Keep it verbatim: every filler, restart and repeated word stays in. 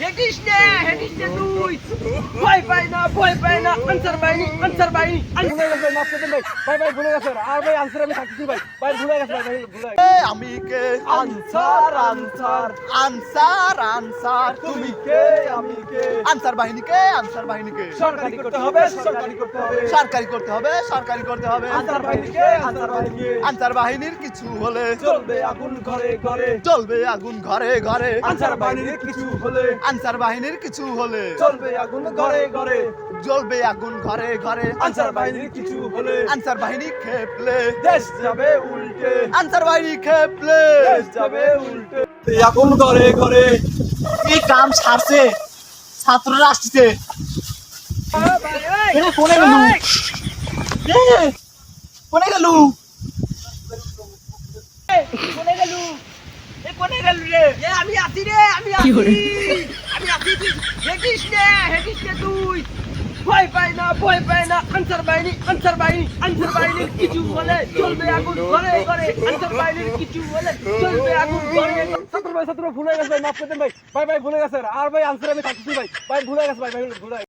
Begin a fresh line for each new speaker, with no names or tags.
Hades নে Hades নে তুই ভয় পাই না ভয় পাই না আনসার বাইনি আনসার বাইনি
ভুলে গেছে মাফ করে দেন ভাই ভাই ভাই ভুলে গেছে আর ভাই আনসার আমি থাকছি ভাই ভাই ভুলে গেছে ভাই ভাই ভুলে গেছে।
এ আমি কে
আনসার আনসার
আনসার আনসার
তুমি কে আমি কে
আনসার বাহিনীকে আনসার বাহিনীকে
সরকারি করতে হবে সরকারি করতে হবে
সরকারি করতে হবে সরকারি করতে হবে
আনসার বাহিনীকে আনসার বাহিনীকে
আনসার বাহিনীর কিছু হলে
চলবে আগুন ঘরে ঘরে
জ্বলবে আগুন ঘরে ঘরে
আনসার বাহিনীর কিছু হলে
আনসার বাহিনীর কিছু হলে
চলবে আগুন ঘরে ঘরে
জ্বলবে আগুন ঘরে ঘরে
আনসার বাহিনীর কিছু হলে
আনসার বাহিনী খেপলে
দেশ যাবে উল্টে
আনসার বাহিনী খেপলে
দেশ যাবে উল্টে আগুন ঘরে ঘরে
এই কাম ছাড়ছে ছাত্ররা আসছে এটা কোনে গেল এ, কোনে গেল
কোনে গেল এ কোনে গেল রে এ আমি আছি রে আমি আছি আমি আছি হেডিস নে হেডিস নে তুই ভয় পাই না ভয় পাই না আনসার বাইনি আনসার বাইনি আনসার বাইনির কিছু বলে চলবে আগুন ঘরে ঘরে আনসার বাইনির কিছু বলে চলবে আগুন ঘরে
ছাত্র ভাই ছাত্র ভুলে গেছে ভাই মাফ করে দেন ভাই ভাই ভাই ভুলে গেছে আর ভাই আনসার আমি থাকছি ভাই ভাই ভুলে গেছে ভাই ভাই ভুলে